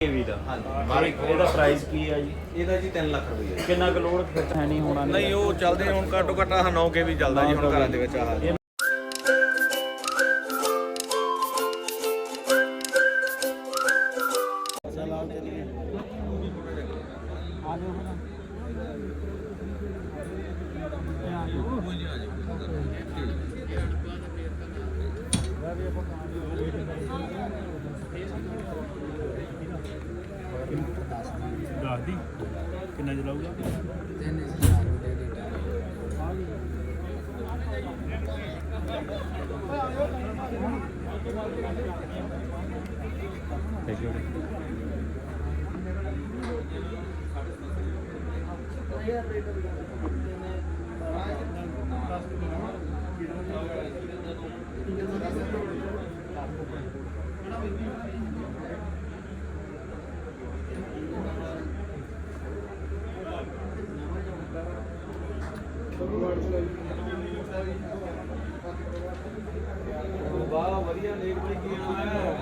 केवी ਦਾ ਹਾਂਜੀ ਇਹਦਾ ਪ੍ਰਾਈਸ ਕੀ ਹੈ ਜੀ? ਇਹਦਾ ਜੀ 3 ਲੱਖ ਰੁਪਏ ਕਿੰਨਾ ਕੁ ਲੋਡ ਖਰਚ ਹੈ ਨਹੀਂ ਹੋਣਾ ਨਹੀਂ ਉਹ ਚੱਲਦੇ ਹੁਣ ਘੱਟੋ ਘੱਟ 9 ਕੇ ਵੀ ਚੱਲਦਾ ਜੀ ਹੁਣ ਘਰਾਂ ਦੇ ਵਿੱਚ ਆਹ ਦੱਸ ਦੀ ਕਿੰਨਾ ਚਲਾਊਗਾ? ਵਾਹ ਵਧੀਆ ਲੇਟ ਬੜੀ ਕੀ ਹੈ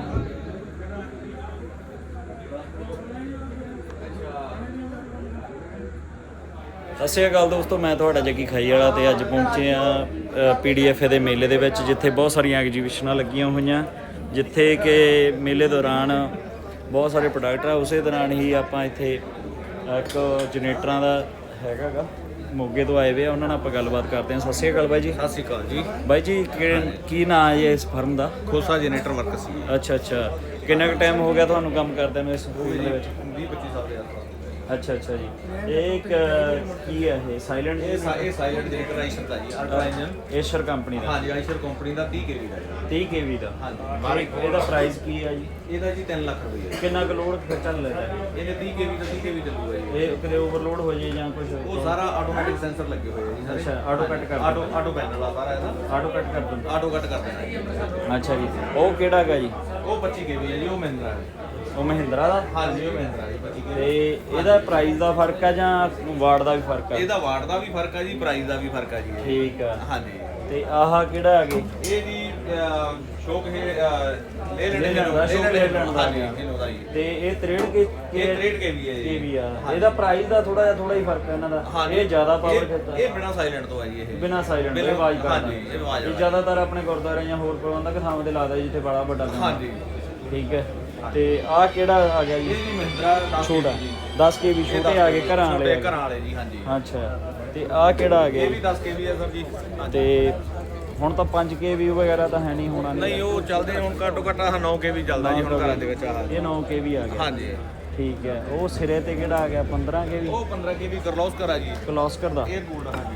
ਸਤਿ ਸ਼੍ਰੀ ਅਕਾਲ ਦੋਸਤੋ, ਮੈਂ ਤੁਹਾਡਾ ਜੱਗੀ ਖਾਈ ਵਾਲਾ ਤੇ ਅੱਜ ਪਹੁੰਚੇ ਆ ਪੀਡੀਐਫ ਦੇ ਮੇਲੇ ਦੇ ਵਿੱਚ, ਜਿੱਥੇ ਬਹੁਤ ਸਾਰੀਆਂ ਐਗਜੀਬਿਸ਼ਨਾਂ ਲੱਗੀਆਂ ਹੋਈਆਂ, ਜਿੱਥੇ ਕਿ ਮੇਲੇ ਦੌਰਾਨ ਬਹੁਤ ਸਾਰੇ ਪ੍ਰੋਡਕਟ ਆ। ਉਸੇ ਦੌਰਾਨ ਹੀ ਆਪਾਂ ਇੱਥੇ ਇੱਕ ਜਨਰੇਟਰਾਂ ਦਾ ਹੈਗਾ ਗਾ, ਮੋਗੇ ਤੋਂ ਆਏ ਵੇ ਆ, ਉਹਨਾਂ ਨਾਲ ਆਪਾਂ ਗੱਲਬਾਤ ਕਰਦੇ ਹਾਂ। ਸਤਿ ਸ਼੍ਰੀ ਅਕਾਲ ਬਾਈ ਜੀ। ਸਤਿ ਸ਼੍ਰੀ ਅਕਾਲ ਜੀ। ਬਾਈ ਜੀ ਕੀ ਨਾਂ ਹੈ ਇਸ ਫਰਮ ਦਾ? ਖੋਸਾ ਜਨਰੇਟਰ ਵਰਕਸ ਸੀ। ਅੱਛਾ, ਕਿੰਨਾ ਕੁ ਟਾਈਮ ਹੋ ਗਿਆ ਤੁਹਾਨੂੰ ਕੰਮ ਕਰਦਿਆਂ ਨੂੰ ਇਸ ਫੀਲਡ ਦੇ ਵਿੱਚ? 20-25 ਸਾਲ ਦੇ ਆਸ-ਪਾਸ। ਅੱਛਾ ਜੀ। ਇਹ ਕੀ ਹੈ? ਇਹ ਸਾਇਲੈਂਟ ਇਹ ਸਾਇਲੈਂਟ ਜਨਰੇਟਰ ਆਈਸ਼ਰ ਦਾ ਜੀ, ਅਲਟਰਾ ਇੰਜਨ ਏਸ਼ਰ ਕੰਪਨੀ ਦਾ। ਹਾਂਜੀ ਆਈਸ਼ਰ ਕੰਪਨੀ ਦਾ 30 ਕੇਵੀ ਦਾ ਜੀ। 30 ਕੇਵੀ ਦਾ। ਹਾਂਜੀ ਇਹਦਾ ਪ੍ਰਾਈਸ ਕੀ ਹੈ ਜੀ? ਇਹਦਾ ਜੀ 3 ਲੱਖ ਰੁਪਏ। ਕਿੰਨਾ ਕੁ ਲੋਡ ਚੱਲ ਰਿਹਾ ਹੈ? ਇਹਨੇ 30 ਕੇਵੀ ਦਾ 30 ਕੇਵੀ ਚੱਲੂਗਾ ਜੀ। ਇਹ ਕਿਤੇ ਓਵਰਲੋਡ ਹੋ ਜਾਏ ਜਾਂ ਕੁਝ? ਉਹ ਸਾਰਾ ਆਟੋਮੈਟਿਕ ਸੈਂਸਰ ਲੱਗੇ ਹੋਏ ਆ ਜੀ ਸਾਰੇ। ਅੱਛਾ, ਆਟੋ ਕੱਟ ਕਰ ਆਟੋ ਪੈਨਲ ਆ ਸਾਰਾ ਇਹਦਾ, ਆਟੋ ਕੱਟ ਕਰ ਦਿੰਦਾ। ਆਟੋ ਕੱਟ ਕਰ ਦੇਣਾ ਜੀ। ਅੱਛਾ ਜੀ। ਉਹ ਕਿਹੜਾ ਹੈਗਾ ਜੀ? ਉਹ 25 ਕੇਵੀ ਹੈ ਜੀ, ਉਹ ਮਹਿੰਦਰਾ ਹੈ। ਉਹ ਮਹਿੰਦਰਾ ਦਾ? ਹਾਂਜੀ ਉਹ ਮਹਿੰਦਰਾ ਜੀ 25 ਤੇ ਕੇਵੀ। ਇਹਦਾ ਪ੍ਰਾਈਸ ਦਾ ਫਰਕ ਆ ਜਾਂ ਵਾਟ ਦਾ ਵੀ ਫਰਕ ਆ? ਇਹਦਾ ਵਾਟ ਦਾ ਵੀ ਫਰਕ ਆ ਜੀ, ਪ੍ਰਾਈਸ ਦਾ ਵੀ ਫਰਕ ਆ ਜੀ। ਠੀਕ ਆ। ਹਾਂਜੀ ਤੇ ਆਹ ਕਿਹੜਾ ਹੈਗੇ? ਇਹ ਜੀ ਸ਼ੋਕ ਹੈ ਲੈ ਲੈਣ ਦਾ ਸ਼ੌਕ ਲੈ ਲੈਣ ਦਾ। ਹਾਂਜੀ ਇਹਨੂੰ ਦਾ ਜੀ। ਤੇ ਇਹ 63 ਕੇ ਇਹ 63 ਕੇਵੀ ਹੈ ਜੀ। ਕੇਵੀ ਆ। ਇਹਦਾ ਪ੍ਰਾਈਸ ਦਾ ਥੋੜਾ ਹੀ ਫਰਕ ਹੈ ਇਹਨਾਂ ਦਾ। ਇਹ ਜ਼ਿਆਦਾ ਪਾਵਰ ਖਿੱਚਦਾ। ਇਹ ਬਿਨਾ ਸਾਇਲੈਂਟ ਤੋਂ ਆ ਜੀ। ਇਹ ਬਿਨਾ ਸਾਇਲੈਂਟ ਤੋਂ ਆਵਾਜ਼ ਕਰਦਾ। ਹਾਂਜੀ ਇਹ ਆਵਾਜ਼ ਇਹ ਜ਼ਿਆਦਾਤਰ ਆਪਣੇ ਗੁਰਦੁਆਰੇ ਜਾਂ ਹੋਰ ਪ੍ਰਬੰਧਕ ਥਾਵਾਂ ਤੇ ਲਾਦਾ ਜਿੱਥੇ ਬੜਾ ਵੱਡਾ ਕੰਮ। ਹਾਂਜੀ ਠੀਕ ਹੈ। ਤੇ ਆਹ ਕਿਹੜਾ ਆ ਗਿਆ ਜੀ? ਇਹ ਜੀ ਮਹਿੰਦਰਾ ਛੋਟਾ 10 ਕੇਵੀ ਛੋਟੇ ਆ ਗਏ ਘਰਾਂ ਵਾਲੇ। ਘਰਾਂ ਵਾਲੇ ਜੀ। ਹਾਂਜੀ ਅੱਛਾ। ਤੇ ਆਹ ਕਿਹੜਾ ਆ ਗਿਆ? ਇਹ ਵੀ 10 ਕੇਵੀ ਹੈ ਸਰ ਜੀ। ਤੇ ਹੁਣ ਤਾਂ 5 ਕੇਵੀ ਵਗੈਰਾ ਤਾਂ ਹੈ ਨਹੀਂ ਹੋਣਾ? ਨਹੀਂ ਉਹ ਚੱਲਦੇ ਹੁਣ ਘੱਟੋ ਘੱਟ 9 ਕੇਵੀ ਚੱਲਦਾ ਜੀ ਹੁਣ ਘਰਾਂ ਦੇ ਵਿੱਚ ਆਹ। ਇਹ 9 ਕੇਵੀ ਆ ਗਿਆ। ਹਾਂਜੀ ਠੀਕ ਹੈ। ਉਹ ਸਿਰੇ ਤੇ ਕਿਹੜਾ ਆ ਗਿਆ? 15 ਕੇਵੀ ਉਹ 15 ਕੇਵੀ ਕਰਲੋਸਕਰ ਆ ਜੀ। ਕਲੋਸਕਰ ਦਾ। ਇਹ ਗੋਲਡ। ਹਾਂਜੀ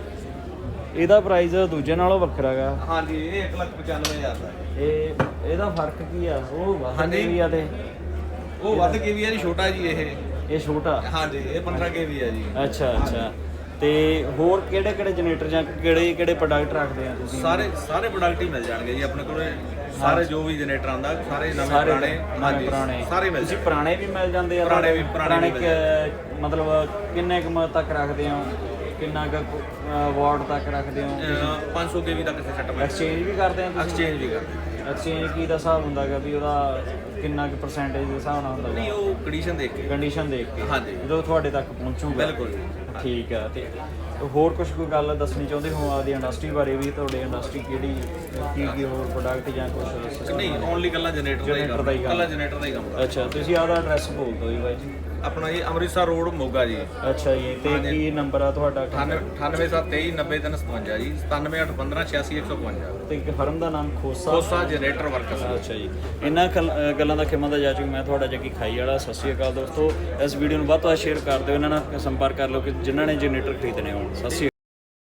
ਇਹਦਾ ਪ੍ਰਾਈਸ ਦੂਜੇ ਨਾਲੋਂ ਵੱਖਰਾ ਹੈਗਾ। ਹਾਂਜੀ ਇਹ 1,95,000 ਦਾ ਹੈ। ਇਹਦਾ ਫਰਕ ਕੀ ਆ? ਉਹ ਵੱਧ ਹਾਂਜੀ। ਕੇਵੀ ਆ ਤੇ ਉਹ ਵੱਧ ਕੇਵੀ ਆ ਜੀ, ਛੋਟਾ ਜੀ ਇਹ ਛੋਟਾ। ਹਾਂਜੀ ਇਹ 15 ਕੇਵੀ ਆ ਜੀ। ਅੱਛਾ। ਤੇ ਹੋਰ ਕਿਹੜੇ ਜਨਰੇਟਰ ਜਾਂ ਕਿਹੜੇ ਪ੍ਰੋਡਕਟ ਰੱਖਦੇ ਆ ਤੁਸੀਂ? ਸਾਰੇ ਪ੍ਰੋਡਕਟ ਹੀ ਮਿਲ ਜਾਣਗੇ ਜੀ ਆਪਣੇ ਕੋਲ। ਸਾਰੇ ਜੋ ਵੀ ਜਨਰੇਟਰ ਆਂਦਾ, ਸਾਰੇ ਨਵੇਂ ਪੁਰਾਣੇ। ਹਾਂਜੀ ਸਾਰੇ ਮਿਲ ਤੁਸੀਂ ਪੁਰਾਣੇ ਵੀ ਮਿਲ ਜਾਂਦੇ ਆ? ਪੁਰਾਣੇ ਮਤਲਬ ਕਿੰਨੇ ਕੁ ਤੱਕ ਰੱਖਦੇ ਹੋ? ਕਿੰਨਾ ਕੁ ਵਾਟ ਤੱਕ ਰੱਖਦੇ ਹੋ? 500 ਕੇਵੀ ਤੱਕ ਸੈੱਟ ਮਿਲ। ਐਕਸਚੇਂਜ ਵੀ ਕਰਦੇ ਆ ਤੁਸੀਂ? ਐਕਸਚੇਂਜ ਵੀ ਕਰਦੇ। ਐਕਸਚੇਂਜ ਕੀ ਦਾ ਹਿਸਾਬ ਹੁੰਦਾ ਹੈਗਾ ਵੀ ਉਹਦਾ ਕਿੰਨਾ ਕੁ ਪਰਸੈਂਟੇਜ ਦੇ ਹਿਸਾਬ ਨਾਲ ਹੁੰਦਾ? ਨਹੀਂ ਉਹ ਕੰਡੀਸ਼ਨ ਦੇਖ ਕੇ। ਕੰਡੀਸ਼ਨ ਦੇਖ ਕੇ। ਹਾਂਜੀ ਜਦੋਂ ਤੁਹਾਡੇ ਤੱਕ ਪਹੁੰਚੂਗਾ। ਬਿਲਕੁਲ। ਠੀਕ ਆ। ਤੇ ਹੋਰ ਕੋਈ ਗੱਲ ਦੱਸਣੀ ਚਾਹੁੰਦੇ ਹੋ ਆਪਦੀ ਇੰਡਸਟਰੀ ਬਾਰੇ ਵੀ? ਤੁਹਾਡੀ ਇੰਡਸਟਰੀ ਕੀ ਹੋਰ ਪ੍ਰੋਡਕਟ ਜਾਂ ਕੁਝ? ਨਹੀਂ ਓਨਲੀ ਕੱਲਾ ਜਨਰੇਟਰ ਦਾ ਹੀ ਕੰਮ। ਕੱਲਾ ਜਨਰੇਟਰ ਦਾ ਹੀ ਕੰਮ। ਅੱਛਾ। ਤੁਸੀਂ ਆਪਦਾ ਐਡਰੈਸ ਬੋਲ ਦਿਓ ਜੀ ਬਾਈ ਜੀ। ਆਪਣਾ ਜੀ ਅੰਮ੍ਰਿਤਸਰ ਰੋਡ ਮੋਗਾ ਜੀ। ਅੱਛਾ ਜੀ। ਤੇ ਕੀ ਨੰਬਰ ਆ ਤੁਹਾਡਾ? 9873290357 ਜੀ। 9781158651। ਤੇ ਫਰਮ ਦਾ ਨਾਮ ਖੋਸਾ ਜਨਰੇਟਰ ਵਰਕਸ। ਅੱਛਾ ਜੀ। ਇਹਨਾਂ ਗੱਲਾਂ ਦਾ ਖਿਮਾ ਦਾ ਜਾ ਚੁੱਕ। ਮੈਂ ਤੁਹਾਡਾ ਜੱਗੀ ਖਾਈ ਵਾਲਾ। ਸਤਿ ਸ਼੍ਰੀ ਅਕਾਲ ਦੋਸਤੋ। ਇਸ ਵੀਡੀਓ ਨੂੰ ਵੱਧ ਤੋਂ ਵੱਧ ਸ਼ੇਅਰ ਕਰ ਦਿਓ। ਇਹਨਾਂ ਨਾਲ ਸੰਪਰਕ ਕਰ ਲਓ ਕਿ ਜਿਨ੍ਹਾਂ ਨੇ ਜਨਰੇਟਰ ਖਰੀਦਣੇ ਹੋਣ। ਸਤਿ ਸ਼੍ਰੀ ਅਕਾਲ।